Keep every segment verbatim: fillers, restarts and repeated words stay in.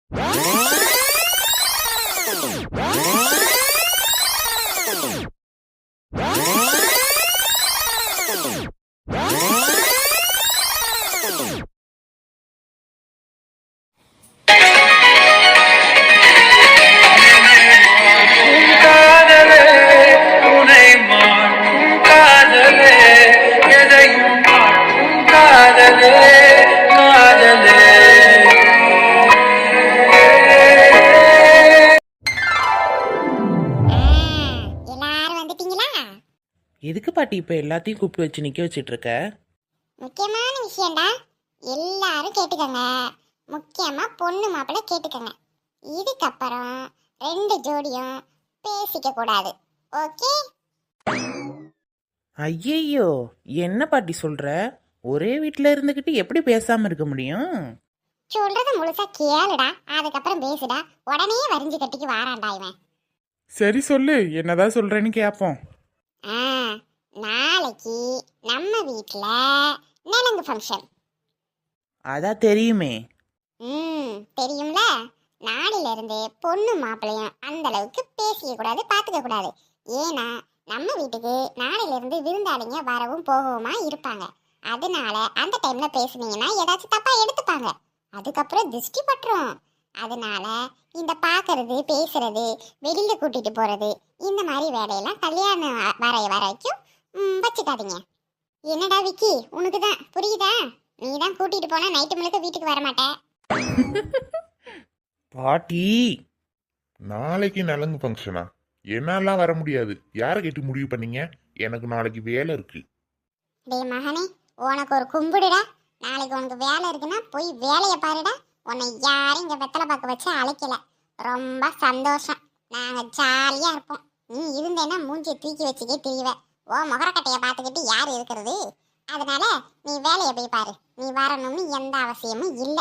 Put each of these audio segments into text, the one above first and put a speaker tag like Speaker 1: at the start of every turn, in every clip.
Speaker 1: எதுக்கு பாட்டி இப்ப எல்லாத்தையும் கூப்பிட்டு வச்சு நிக்க வச்சிட்டு இருக்க?
Speaker 2: முக்கியமான விஷயம்டா, எல்லாரும் கேட்டுக்கங்க. முக்கியமா பொண்ணு மாப்பிள்ளை கேட்டுக்கங்க. இதுக்கப்புறம் ரெண்டு ஜோடியும் பேசிக்க கூடாது, ஓகே?
Speaker 1: ஐயையோ, என்ன பாட்டி சொல்ற? ஒரே வீட்டுல இருந்துகிட்டு எப்படி பேசாம இருக்க முடியும்?
Speaker 2: சொல்றத முழுசா கேளுடா, அதுக்கப்புறம் பேசுடா. உடனே வரிஞ்சு கட்டிக்கு வாரான்டா இவன்.
Speaker 1: சரி சொல்லு, என்னதான் சொல்றேன்னு கேப்போம்.
Speaker 2: ஆ, நாளைக்கு நம்ம வீட்ல நலங்கு ஃபங்க்ஷன்.
Speaker 1: அதான் தெரியுமே.
Speaker 2: ம் தெரியும்ல. நாளையில இருந்து பொண்ணு மாப்பிள்ளையும் அந்த அளவுக்கு பேசிக்க கூடாது, பாத்துக்க கூடாது. ஏன்னா நம்ம வீட்டுக்கு நாளையில இருந்து விருந்தாளிங்க வரவும் போகவுமா இருப்பாங்க. அதனால அந்த டைம்ல பேசுனீங்கன்னா ஏதாச்சும் தப்பா எடுத்துப்பாங்க, அதுக்கப்புறம் திருஷ்டி பட்டுரும். அதனால இந்த பாக்குறது பேசுறது வெளியில கூட்டிட்டு போறது இந்த மாதிரி வேலையெல்லாம் கல்யாணம் வரைய வரைக்கும் வச்சுக்காதீங்க. என்னடா விக்கி, உனக்கு தான் புரியுதா? நீ தான் கூட்டிட்டு போனா நைட்டு முழுக்க வீட்டுக்கு வர மாட்டேன்.
Speaker 1: பாட்டி,
Speaker 3: நாளைக்கு நலங்கு ஃபங்க்ஷனா? என்னாலாம் வர முடியாது. யாரை கேட்டு முடிவு பண்ணீங்க? எனக்கு நாளைக்கு வேலை இருக்கு.
Speaker 2: டேய் மகனே, உனக்கு ஒரு கும்பிடுடா. நாளைக்கு உனக்கு வேலை இருக்குன்னா போய் வேலையை பாருடா. உன்னை யாரும் இங்க வெத்தலை பார்க்க வச்சு அழைக்கல. ரொம்ப சந்தோஷம். நாங்க ஜாலியா இருப்போம். நீ இருந்தேன்னா மூஞ்சியை தூக்கி வச்சுக்கே திரிவ. ஓ முகரக்கட்டையை பார்த்துக்கிட்டு யார் இருக்கிறது? அதனால நீ வேலையை போய் பாரு. நீ வரணும்னு எந்த அவசியமும் இல்லை.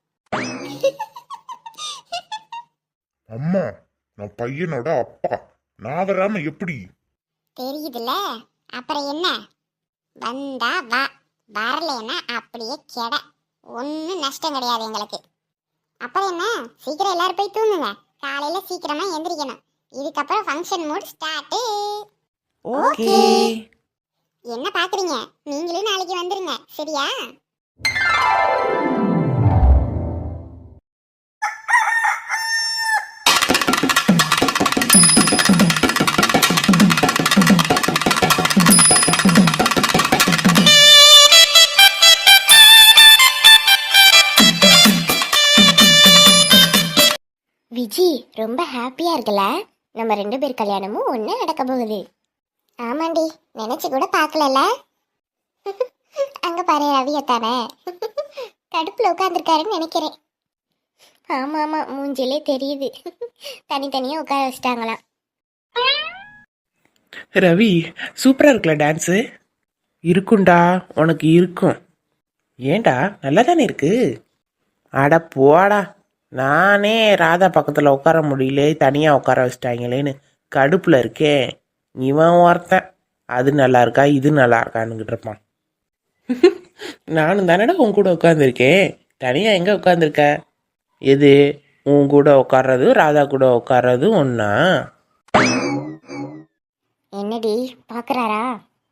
Speaker 3: அம்மா, நான் பையனோட அப்பா. நான் வராம எப்படி?
Speaker 2: தெரியுதுல்ல, அப்புறம் என்ன? வந்தா வா, வரலன்னா அப்படியே கெட. ஒன்றும் நஷ்டம் கிடையாது எங்களுக்கு. அப்புறம் என்ன, சீக்கிரம் எல்லாரும் போய் தூங்குங்க. காலையில சீக்கிரமா எந்திரிக்கணும். இதுக்கப்புறம் ஃபங்க்ஷன் மூட் ஸ்டார்ட்.
Speaker 1: ஓகே.
Speaker 2: என்ன பாக்குறீங்க? நீங்களும் நாளைக்கு வந்துருங்க, சரியா? விஜி, ரொம்ப ஹாப்பியா இருக்கல? நம்ம ரெண்டு பேர் கல்யாணமும் ஒண்ணு நடக்க போகுது. ஆமாண்டி, நினைச்சு கூட பார்க்கல. அங்க பாரு, ரவியத்தானே கடுப்புல உட்காந்துருக்காருன்னு நினைக்கிறேன். ஆமா ஆமா, மூஞ்சிலே தெரியுது. தனித்தனியா உட்கார வச்சிட்டாங்களாம்.
Speaker 1: ரவி, சூப்பரா இருக்குல்ல டான்ஸு? இருக்கும்டா, உனக்கு இருக்கும். ஏண்டா, நல்லா தானே இருக்கு. அட போடா, நானே ராதா பக்கத்தில் உட்கார முடியல, தனியாக உட்கார வச்சிட்டாங்களேன்னு கடுப்பில் இருக்கேன். இவன் ஒருத்தன் அது நல்லா இருக்கா இது நல்லா இருக்கான்னுக்கிட்டு இருப்பான். நானும் தானடா உன் கூட உட்காந்துருக்கேன், தனியாக எங்கே உட்காந்துருக்க? எது, உன் கூட உட்கார்றது ராதா கூட உட்கார்றது ஒன்றா?
Speaker 2: என்னடி பாக்குறாரா?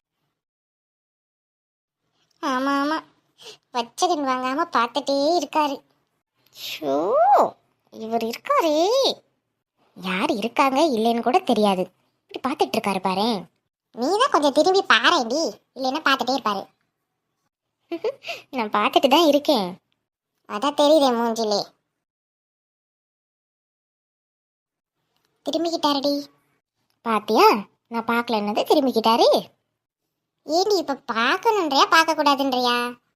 Speaker 2: ஆமா ஆமா, வச்சகன் வாங்காம பார்த்துட்டே இருக்காரு. ஷோ, இவர் இருக்காரே, யார் இருக்காங்க இல்லைன்னு கூட தெரியாது. இப்படி பார்த்துட்டு இருக்காரு பாரு. நீதான் கொஞ்சம் திரும்பி பாருடி, இல்லைன்னா பார்த்துட்டே இருப்பாரு. நான் பார்த்துட்டு தான் இருக்கேன், அதான் தெரியுதே மூஞ்சிலே. திரும்பிக்கிட்டாருடி. பாத்தியா, நான் பார்க்கலன்னது திரும்பிக்கிட்டாரு. ஏண்டி இப்ப பார்க்கணுன்றியா பார்க்க கூடாதுன்றியா?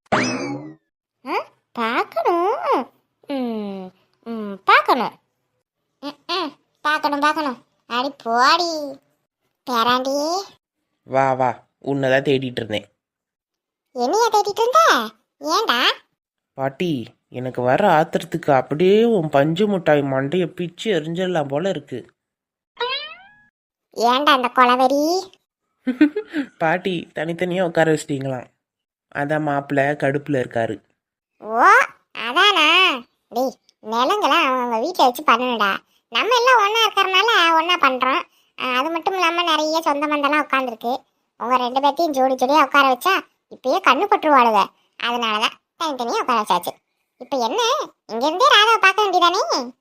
Speaker 2: பார்க்கணும். ம் ம் பார்க்கணும். ம் பார்க்கணும் பார்க்கணும். அடி போடி பேராண்டி.
Speaker 1: வா வா, உன்னதான் தேடிட்டு இருந்தேன்.
Speaker 2: என்னையா தேடிட்டு இருந்த? ஏண்டா?
Speaker 1: பாட்டி, எனக்கு வர ஆத்திரத்துக்கு அப்படியே உன் பஞ்சு முட்டாய் மண்டையை பிச்சு எரிஞ்சிடலாம் போல இருக்கு.
Speaker 2: ஏண்டா அந்த கொலவெறி?
Speaker 1: பாட்டி, தனித்தனியாக உட்கார வச்சிட்டீங்களாம், அதான் மாப்பிள்ளை கடுப்பில் இருக்காரு.
Speaker 2: ஓ அதானா? டேய், நிலங்களாம் அவங்க வீட்டில் வச்சு பண்ணணும்டா. நம்ம எல்லாம் ஒன்றா இருக்கிறனால ஒன்றா பண்ணுறோம். அது மட்டும் இல்லாமல் நிறைய சொந்த பந்தெல்லாம் உட்காந்துருக்கு. உங்கள் ரெண்டு பேர்த்தையும் ஜோடி ஜோடியாக உட்கார வச்சா இப்பயே கண்ணு பட்டுருவாளுங்க. அதனால தான் தனித்தனியாக உட்கார வச்சாச்சு. இப்போ என்ன, இங்கேருந்தே ராதாவை பார்க்க வேண்டியதானே?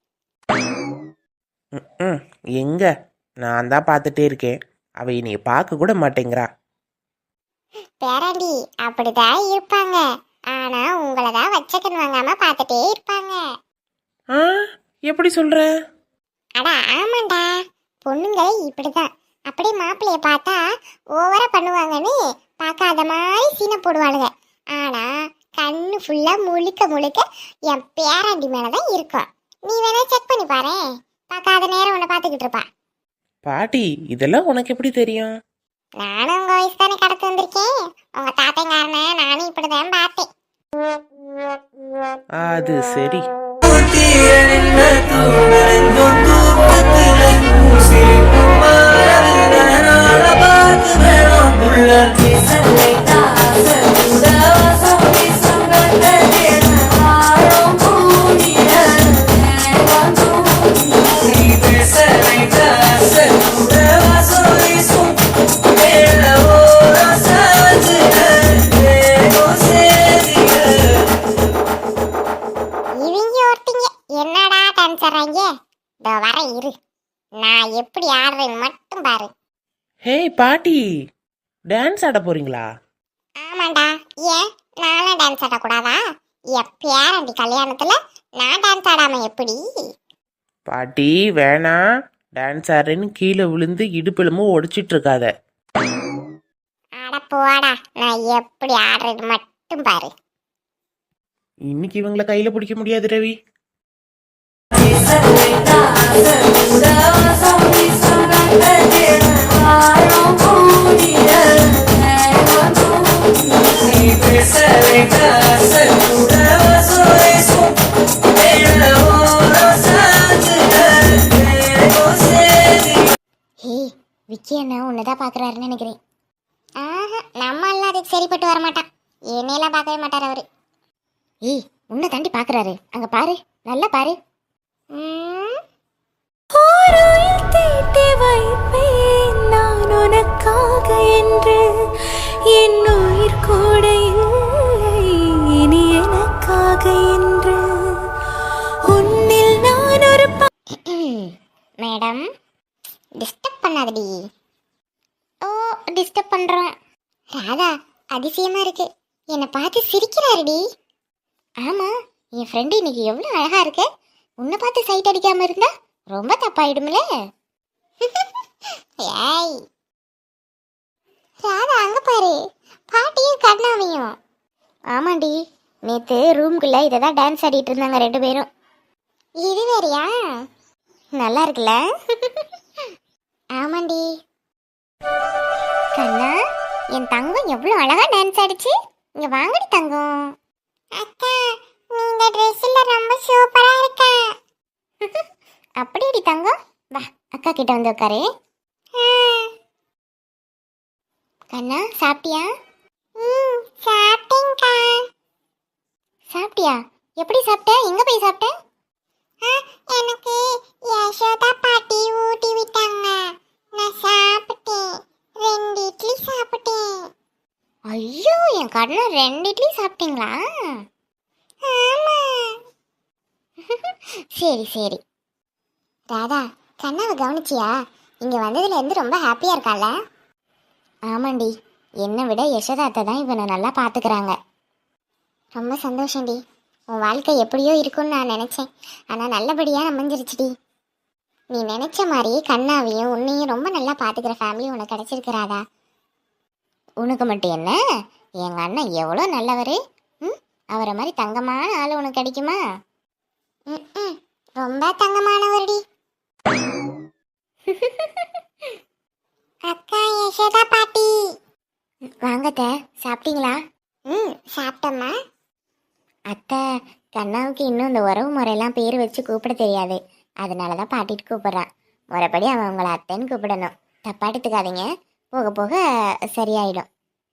Speaker 1: ம் எங்க நான் தான் பார்த்துட்டே இருக்கேன், அவ என்னைய பார்க்க கூட மாட்டேங்கிறா.
Speaker 2: பேராண்டி அப்படிதான் இருப்பாங்க. ஆனா உங்களை தான் வச்சக்கன் வாங்காம பார்த்துட்டே இருப்பாங்க.
Speaker 1: ஆ எப்படி சொல்ற?
Speaker 2: அட ஆமாண்டா, பொண்ணுங்களே இப்படிதான். அப்படியே மாப்பிள்ளைய பார்த்தா ஓவரா பண்ணுவாங்கன்னு பார்க்காத மாதிரி சீனை போடுவாளுங்க. ஆனா கண்ணு ஃபுல்லா முழுக்க முழுக்க என் பேராண்டி மேலதான் இருக்கும். நீ வேணா செக் பண்ணி பாரு, பார்க்காத நேரம் உன்னை பார்த்துக்கிட்டு இருப்பா.
Speaker 1: பாட்டி இதெல்லாம் உனக்கு எப்படி தெரியும்?
Speaker 2: நானும் உங்க வயசு தானே கடத்து வந்திருக்கேன். உங்க தாத்தைங்காரனை நானும் இப்படிதான் பார்த்தேன்.
Speaker 1: அது சரி.
Speaker 2: இவங்க ஒருத்தங்க என்னடா டான்ஸ் ஆடுறாங்க? இதோ வர இரு, நான் எப்படி ஆடுறேன்னு மட்டும் பாரு.
Speaker 1: ஹே பாட்டி, டான்ஸ் ஆட போறீங்களா?
Speaker 2: ஆமாண்டா, ஏன் நானும் டான்ஸ் ஆடக்கூடாதா? என் பேரண்டி கல்யாணத்துல நான் டான்ஸ் ஆடாம எப்படி?
Speaker 1: பாட்டி வேணாம், டான்ஸ் ஆடுறேன்னு கீழே விழுந்து இடுப்பெலும்பும் ஒடிச்சிட்டு இருக்காத.
Speaker 2: ஆட போடா, நான் எப்படி ஆடுறது மட்டும் பாரு.
Speaker 1: இன்னைக்கு இவங்களை கையில பிடிக்க முடியாது ரவி.
Speaker 2: ஹே விக்கி என்ன உன்னதான் பாக்குறாருன்னு நினைக்கிறேன். ஆஹா, நம்ம எல்லாம் அதுக்கு சரிப்பட்டு வர மாட்டான். என்னையெல்லாம் பார்க்கவே மாட்டார் அவரு. ஏய் உன்னை தாண்டி பாக்குறாரு, அங்க பாரு, நல்லா பாரு. ம்,
Speaker 4: நான் உனக்காக என்று என் உயிர் கூட இல்லை இனி எனக்காக என்று உன்னில் நான் ஒரு
Speaker 2: மேடம் டிஸ்டர்ப் பண்ணாதடி. ஓ டிஸ்டர்ப் பண்றோம். ராதா அதிசயமா இருக்கு, என்னை பார்த்து சிரிக்கிறாருடி. ஆமா, என் ஃப்ரெண்டு இன்னைக்கு எவ்வளோ அழகா இருக்கு. உன்னை பார்த்து சைட் அடிக்காம இருந்தா ரொம்ப தப்பாயிடும்ல. ஏய் ராதா அங்க பாரு, பாட்டியும் கண்ணாவையும். ஆமாண்டி, நேத்து ரூம்குள்ள இதை தான் டான்ஸ் ஆடிட்டு இருந்தாங்க ரெண்டு பேரும். இது வேறையா? நல்லா இருக்குல்ல? ஆமாண்டி. கண்ணா, என் தங்கம் எவ்வளோ அழகா டான்ஸ் ஆடிச்சு. இங்க வாங்கடி தங்கம். அக்கா நீங்க ட்ரெஸ்ல ரொம்ப சூப்பரா இருக்க. அப்படியேடி தங்கம், வா அக்கா கிட்ட வந்து உட்காரு. கண்ணா சாப்பிட்டியா? ம் சாப்பிட்டேன்க்கா. சாப்பிட்டியா? எப்படி சாப்பிட்ட? எங்க போய் சாப்பிட்ட? எனக்கு யசோதா பாட்டி ஊட்டி விட்டாங்க, நான் சாப்பிட்டேன். ரெண்டு இட்லி சாப்பிட்டேன். ஐயோ என் கண்ணா, ரெண்டு இட்லி சாப்பிட்டீங்களா? ஆமா. சரி சரி. ராதா கண்ணாவை கவனிச்சியா? இங்க வந்ததுல இருந்து ரொம்ப ஹாப்பியா இருக்கால? ஆமாண்டி, என்னை விட யசோதாத்தை தான் இவனை நல்லா பாத்துக்கிறாங்க. ரொம்ப சந்தோஷம்டி. உன் வாழ்க்கை எப்படியோ இருக்கும்னு நான் நினைச்சேன், ஆனா நல்லபடியா அமைஞ்சிருச்சுடி. நீ நினைச்ச மாதிரி கண்ணாவையும் உன்னையும் ரொம்ப நல்லா பாத்துக்கிற ஃபேமிலி உனக்கு கிடைச்சிருக்கிறாதா? உனக்கு மட்டும் என்ன, எங்க அண்ணன் எவ்வளோ நல்லவர். ம் அவரை மாதிரி தங்கமான ஆள் உனக்கு கிடைக்குமா? ம் ரொம்ப தங்கமானவர்டி. அக்கா யசோதா பாட்டி வாங்கத்த, சாப்பிட்டீங்களா? ம் சாப்பிட்டம்மா. அத்தை கண்ணாவுக்கு இன்னும் இந்த உறவு முறையெல்லாம் பேர் வச்சு கூப்பிட தெரியாது, அதனால தான் பாட்டிட்டு கூப்பிட்றான். முறைப்படி அவன் உங்களை அத்தைன்னு கூப்பிடணும். தப்பா எடுத்துக்காதீங்க, போக போக சரியாயிடும்.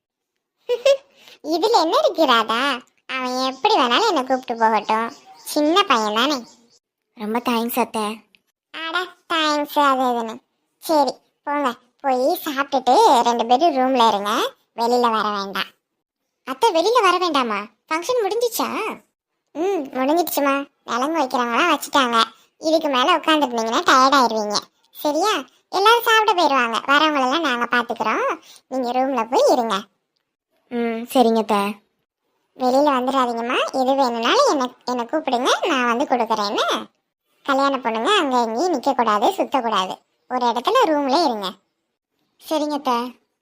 Speaker 2: இதுல என்ன இருக்கிறாதா? அவன் எப்படி வேணாலும் என்னை கூப்பிட்டு போகட்டும், சின்ன பையன் தானே. ரொம்ப தேங்க்ஸ் அத்தை. அட தேங்க்ஸ் அது இதுன்னு. சரி போங்க, போய் சாப்பிட்டுட்டு ரெண்டு பேரும் ரூம்ல இருங்க, வெளியில வர வேண்டாம். அத்தை வெளியில வர வேண்டாமா? ஃபங்க்ஷன் முடிஞ்சிச்சா? ம் முடிஞ்சிடுச்சுமா. நலங்கு வைக்கிறவங்களாம் வச்சுட்டாங்க. இதுக்கு மேலே உட்காந்துருந்தீங்கன்னா டயர்ட் ஆயிடுவீங்க. சரியா? எல்லாரும் சாப்பிட போயிடுவாங்க. வரவங்களெல்லாம் நாங்கள் பார்த்துக்குறோம். நீங்கள் ரூமில் போய் இருங்க. ம் சரிங்க அத்தை. வெளியில் வந்துடாதீங்கம்மா. எது வேணும்னாலும் என்ன என்னை கூப்பிடுங்க, நான் வந்து கொடுக்குறேன்னு. கல்யாண பொண்ணுங்க அங்கே எங்கேயும் நிற்கக்கூடாது, சுற்றக்கூடாது. ஒரு இடத்துல ரூம்ல இருங்க. சரிங்க அத்தை.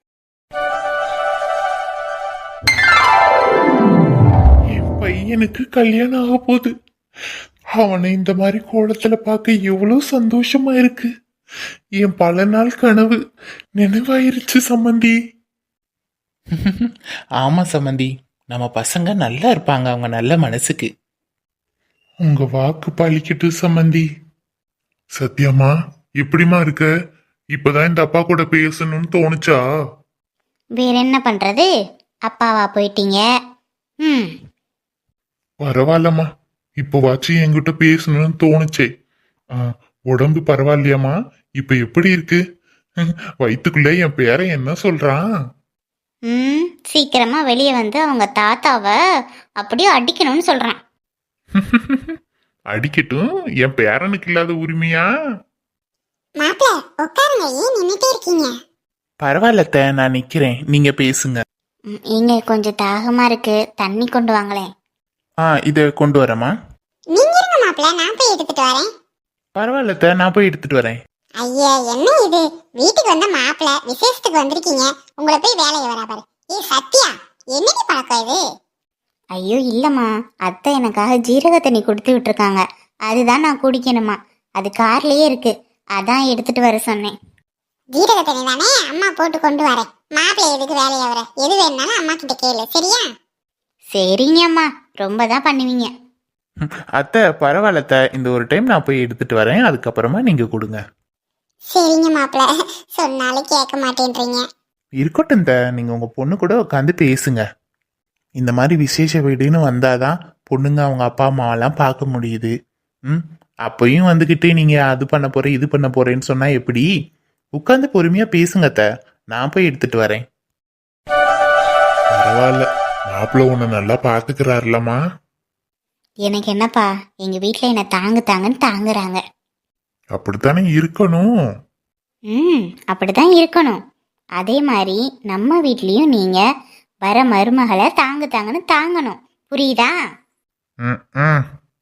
Speaker 3: என் பையனுக்கு கல்யாணம் ஆக போகுது. அவனை இந்த மாதிரி கோலத்துல பார்க்க எவ்வளவு சந்தோஷமா இருக்கு. என் பல நாள் கனவு நினைவாயிருச்சு சம்மந்தி.
Speaker 1: ஆமா சம்மந்தி, நம்ம பசங்க நல்லா இருப்பாங்க, அவங்க நல்ல மனசுக்கு.
Speaker 3: உங்க வாக்கு பழிக்கட்டு சம்மந்தி. சத்யாமா எப்படிமா இருக்க? இப்பதான் இந்த அப்பா கூட பேசணும்னு தோணுச்சா?
Speaker 2: வேற என்ன பண்ணுறது, அப்பாவா போயிட்டீங்க. ம்
Speaker 3: பரவாயில்லம்மா, இப்போ வாச்சு என்கிட்ட பேசணும்னு தோணுச்சே. ஆ, உடம்பு பரவாயில்லையாம்மா? இப்ப எப்படி இருக்கு? வயிற்றுக்குள்ள என் பேரை என்ன சொல்றான்?
Speaker 2: ம் சீக்கிரமா வெளியே வந்து அவங்க தாத்தாவை அப்படியே அடிக்கணும்னு சொல்றான்.
Speaker 3: அடிக்கட்டும், என் பேரனுக்கு இல்லாத உரிமையா?
Speaker 2: மாப்பிள்ள உட்காருங்க, ஏன் நின்னுட்டே இருக்கீங்க?
Speaker 1: பரவாயில்லத்த, நான் நிக்கிறேன், நீங்க பேசுங்க.
Speaker 2: இங்க கொஞ்சம் தாகமா இருக்கு, தண்ணி கொண்டு வாங்களேன்.
Speaker 1: ஆ இதை கொண்டு வரேம்மா.
Speaker 2: நீங்க இருங்க மாப்பிள்ள, நான் போய் எடுத்துட்டு வரேன்.
Speaker 1: பரவாயில்லத்த, நான் போய் எடுத்துட்டு வரேன்.
Speaker 2: ஐயா என்ன இது, வீட்டுக்கு வந்த மாப்பிள்ள விசேஷத்துக்கு வந்திருக்கீங்க, உங்களை போய் வேலையை வரா பாரு. ஏ சத்யா, என்னடி பழக்கம் இது? ஐயோ இல்லம்மா, அத்தை எனக்காக ஜீரக தண்ணி கொடுத்து விட்டுருக்காங்க, அதுதான் நான் குடிக்கணுமா. அது கார்லயே இருக்கு, அதான் எடுத்துட்டு வர சொன்னேன். ஜீரக தண்ணி தானே, அம்மா போட்டு கொண்டு வரேன். மாப்பிள்ளை எதுக்கு வேலையை வர, எது வேணும்னாலும் அம்மா கிட்ட கேளு, சரியா? சரிங்க அம்மா, ரொம்ப தான் பண்ணுவீங்க.
Speaker 1: அத்தை பரவாயில்லத்த, இந்த ஒரு டைம் நான் போய் எடுத்துட்டு வரேன், அதுக்கப்புறமா நீங்க கொடுங்க.
Speaker 2: சரிங்க மாப்பிள்ள, சொன்னாலும் கேட்க மாட்டேன்றீங்க.
Speaker 1: இருக்கட்டும் த, நீங்க உங்க பொண்ணு கூட உட்காந்து பேசுங்க. இந்த மாதிரி விசேஷ வீடுன்னு வந்தாதான் பொண்ணுங்க அவங்க அப்பா அம்மாவெல்லாம் பார்க்க முடியுது. ம் அப்பயும் வந்துக்கிட்டு நீங்க அது பண்ண போறேன் இது பண்ண போறேன்னு சொன்னா எப்படி? உட்காந்து பொறுமையா பேசுங்க த, நான் போய் எடுத்துட்டு வரேன்.
Speaker 3: பரவாயில்ல, மாப்பிள்ள உன்னை நல்லா பாத்துக்கிறாருலம்மா.
Speaker 2: எனக்கு என்னப்பா, எங்க வீட்டில் என்ன தாங்கு தாங்கன்னு தாங்குறாங்க.
Speaker 3: அப்படித்தானே இருக்கணும்.
Speaker 2: ம் அப்படிதான் இருக்கணும். அதே மாதிரி நம்ம வீட்லேயும் நீங்க வர மருமகளை தாங்கு தாங்கன்னு தாங்கணும், புரியுதா?
Speaker 3: ம், ம்.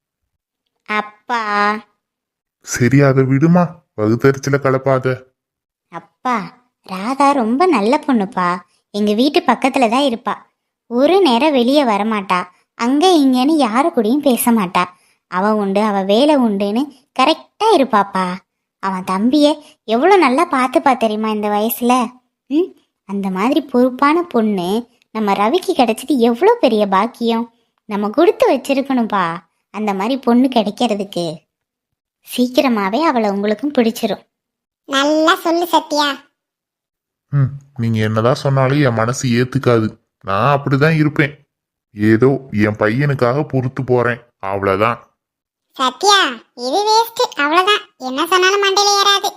Speaker 2: அப்பா
Speaker 3: சரி, அதை விடுமா, வகுத்தறிச்சல கலப்பாத.
Speaker 2: அப்பா ராதா ரொம்ப நல்ல பொண்ணுப்பா, எங்க வீட்டு பக்கத்துல தான் இருப்பா. ஒரு நேரம் வெளியே வரமாட்டா, அங்க இங்கன்னு யாரு கூடயும் பேச மாட்டா. அவ உண்டு அவ வேலை உண்டுன்னு கரெக்டா இருப்பாப்பா. அவன் தம்பிய எவ்வளோ நல்லா பார்த்துப்பா தெரியுமா இந்த வயசுல. ம் அந்த மாதிரி பொறுப்பான பொண்ணு நம்ம ரவிக்கு கிடைச்சது எவ்வளோ பெரிய பாக்கியம். நம்ம கொடுத்து வச்சிருக்கணும்ப்பா அந்த மாதிரி பொண்ணு கிடைக்கிறதுக்கு. சீக்கிரமாவே அவளை உங்களுக்கும் பிடிச்சிரும். நல்லா சொல்லு சத்யா.
Speaker 3: ம் நீங்க என்னதான் சொன்னாலும் என் மனசு ஏத்துக்காது. நான் அப்படிதான் இருப்பேன். ஏதோ என் பையனுக்காக பொறுத்து போறேன், அவ்வளவுதான்.
Speaker 2: சத்யா இது வேஸ்ட், அவ்வளவுதான். என்ன சொன்னாலும் மண்டையில ஏறாது.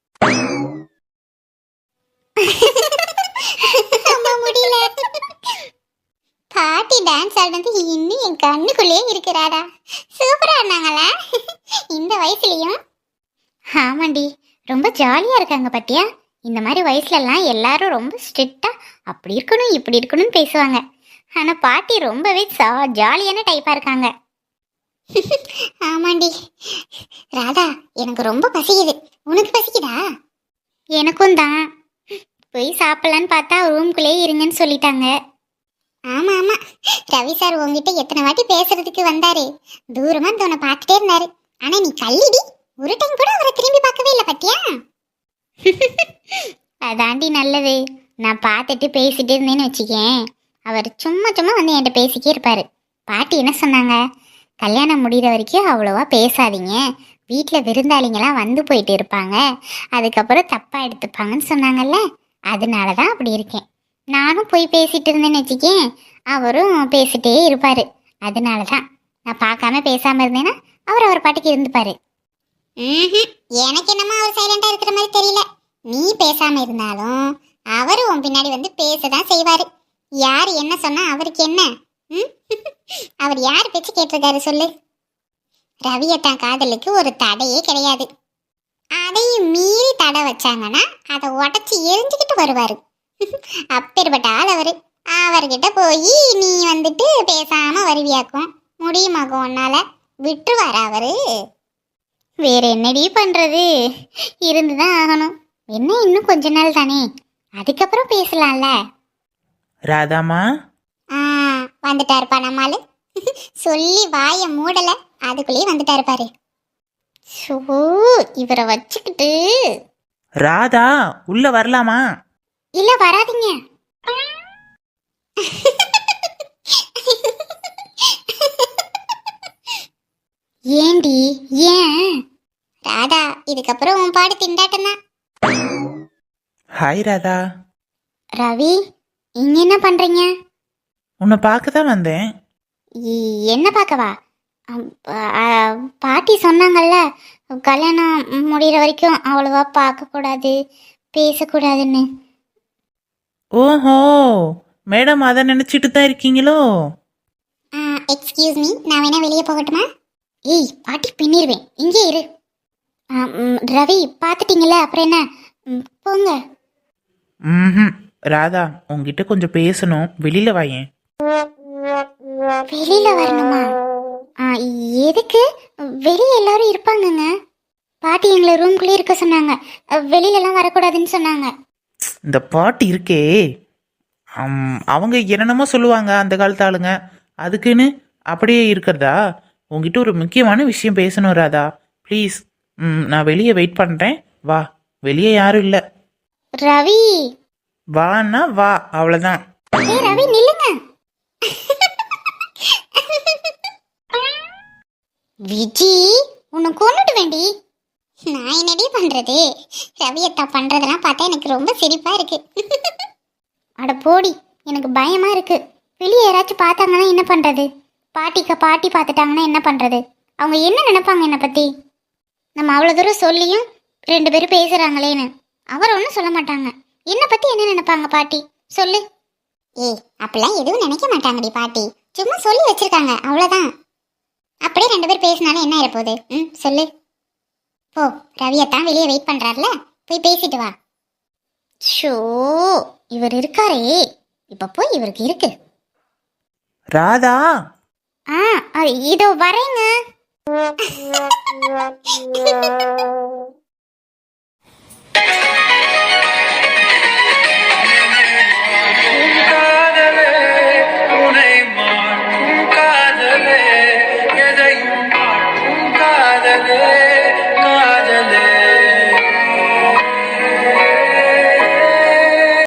Speaker 2: முடியல. பாட்டி டான்ஸ் ஆடுனது இன்னும் என் கண்ணுக்குள்ளேயே இருக்கிறாடா. சூப்பரா ஆடினாங்களா இந்த வயசுலயும்? ஆமாண்டி, ரொம்ப ஜாலியா இருக்காங்க பாட்டியா. இந்த மாதிரி வயசுல எல்லாம் எல்லாரும் ரொம்ப ஸ்ட்ரிக்டா அப்படி இருக்கணும் இப்படி இருக்கணும்னு பேசுவாங்க. ஆனா பாட்டி ரொம்பவே ஜாலியான டைப்பா இருக்காங்க. ஆமாண்டி. ராதா எனக்கு ரொம்ப பசிக்குது, உனக்கு பசிக்குதா? எனக்கும் தான். போய் சாப்பிடலான்னு பார்த்தா ரூம்குள்ளேயே இருங்கன்னு சொல்லிட்டாங்க. ஆமா ஆமா, ரவி சார் உங்ககிட்ட எத்தனை வாட்டி பேசுறதுக்கு வந்தாரு, தூரமா தோண பார்த்துட்டே இருந்தாரு. ஆனா நீ கல்லிடி, ஒரு டைம் கூட அவரை திரும்பி பார்க்கவே இல்லை பத்தியா? அதாண்டி நல்லது. நான் பார்த்துட்டு பேசிட்டு இருந்தேன்னு வச்சுக்கேன், அவர் சும்மா சும்மா வந்து என்கிட்ட பேசிக்கே இருப்பாரு. பாட்டி என்ன சொன்னாங்க, கல்யாணம் முடிகிற வரைக்கும் அவ்வளோவா பேசாதீங்க, வீட்டில் விருந்தாளிங்கெல்லாம் வந்து போயிட்டு இருப்பாங்க, அதுக்கப்புறம் தப்பாக எடுத்துப்பாங்கன்னு சொன்னாங்கல்ல. அதனால தான் அப்படி இருக்கேன். நானும் போய் பேசிட்டு இருந்தேன்னு வச்சுக்கேன், அவரும் பேசிட்டே இருப்பார். அதனால தான் நான் பார்க்காம பேசாமல் இருந்தேன்னா அவர் அவர் பாட்டுக்கு இருந்துப்பார். ம்ஹும். எனக்கு என்னமோ அவர் சைலண்டா இருக்கிற மாதிரி தெரியல. நீ பேசாம இருந்தாலும் அவரு உன் பின்னாடி வந்து பேசதான் செய்வாரு. யார் என்ன சொன்னா அவருக்கு என்ன? ம்? அவர் யார் பேச்சு கேட்டிருக்காரு சொல்லு? ரவியத்தான் காதலுக்கு ஒரு தடையே கிடையாது. அதையும் மீறி தடை வச்சாங்கன்னா அதை உடச்சி எரிஞ்சுக்கிட்டு வருவாரு. அப்பேற்பட்ட ஆள் அவரு. அவர்கிட்ட போய் நீ வந்துட்டு பேசாம வருவியாக்கும் முடியுமாக்கும் உன்னால? விட்டுருவாரு அவரு? வேற என்னடி பண்றது, இருந்துதான் ஆகணும். என்ன இன்னும் கொஞ்ச நாள் தானே, அதுக்கப்புறம் பேசலாம்ல.
Speaker 1: ராதாமா,
Speaker 2: ஆ வந்துட்டாருப்பா நம்மாலு. சொல்லி வாய மூடல, அதுக்குள்ளேயே வந்துட்டாரு பாரு. ஷோ, இவரை வச்சுக்கிட்டு.
Speaker 1: ராதா உள்ள வரலாமா?
Speaker 2: இல்ல வராதீங்க. ஏண்டி ஏன்? ராதா இதுக்கப்புறம் உன் பாடு திண்டாட்டம் தான்.
Speaker 1: ஹாய் ராதா.
Speaker 2: ரவி, இங்க என்ன பண்றீங்க?
Speaker 1: உன்னை பார்க்க தான் வந்தேன்.
Speaker 2: இ- என்ன பார்க்கவா? அம், ஆ, பாட்டி சொன்னாங்கல்ல, கல்யாணம் முடிகிற வரைக்கும் அவ்வளவா பார்க்கக்கூடாது, பேசக்கூடாதுன்னு.
Speaker 1: ஓஹோ, மேடம் அதை நினைச்சிட்டு தான் இருக்கீங்களோ?
Speaker 2: எக்ஸ்கியூஸ் மீ, நான் வேணா வெளியே போகட்டுமா? ஏய் பாட்டி பின்னிருவேன், இங்கே இரு. ஆ, ம், ரவி பார்த்துட்டீங்கல்ல, அப்புறம் என்ன? ம், போங்க.
Speaker 1: ம், ராதா உங்ககிட்ட கொஞ்சம் பேசணும், வெளியில வாயேன்.
Speaker 2: வெளியில வரணுமா? ஆ, எதுக்கு? வெளியே எல்லாரும் இருப்பாங்கங்க. பாட்டி எங்களை ரூம்குள்ளே இருக்க சொன்னாங்க, வெளியிலலாம் வரக்கூடாதுன்னு சொன்னாங்க.
Speaker 1: இந்த பாட்டு இருக்கே, அம், அவங்க என்னென்னமோ சொல்லுவாங்க அந்த காலத்து ஆளுங்க, அதுக்குன்னு அப்படியே இருக்கிறதா? உங்ககிட்ட ஒரு முக்கியமான விஷயம் பேசணும் ராதா, ப்ளீஸ். ம் நான் வெளியே வெயிட் பண்ணுறேன், வா. வெளியே யாரும் இல்லை,
Speaker 2: ரவி.
Speaker 1: வான்னா வா, அவ்வளோதான்.
Speaker 2: ஏய் ரவி நில்லுங்க. விஜி, உன்னை கொண்டுட்டு வேண்டி. நான் என்னடி பண்றது? ரவியத்தா பண்றதெல்லாம் பார்த்தா எனக்கு ரொம்ப சிரிப்பா இருக்கு. அட போடி, எனக்கு பயமா இருக்கு. வெளியே யாராச்சும் பார்த்தாங்கன்னா என்ன பண்றது? பாட்டிக்க பாட்டி பார்த்துட்டாங்கன்னா என்ன பண்றது? அவங்க என்ன நினைப்பாங்க என்னை பத்தி? நம்ம அவ்வளோ தூரம் சொல்லியும் ரெண்டு பேரும் பேசுறாங்களேன்னு அவர் ஒன்றும் சொல்ல மாட்டாங்க. என்னை பத்தி என்ன நினைப்பாங்க பாட்டி சொல்லு? ஏய் அப்படிலாம் எதுவும் நினைக்க மாட்டாங்கடி பாட்டி, சும்மா சொல்லி வச்சிருக்காங்க அவ்வளோதான். அப்படியே ரெண்டு பேர் பேசினாலும் என்ன ஆயிரப்போகுது? ம் சொல்லு. போ, ரவியத்தான் வெளியே வெயிட் பண்றாருல, போய் பேசிட்டு வா. ஷோ, இவர் இருக்காரே, இப்ப போய் இவருக்கு இருக்கு.
Speaker 1: ராதா,
Speaker 2: ஆ இதோ வரேங்க.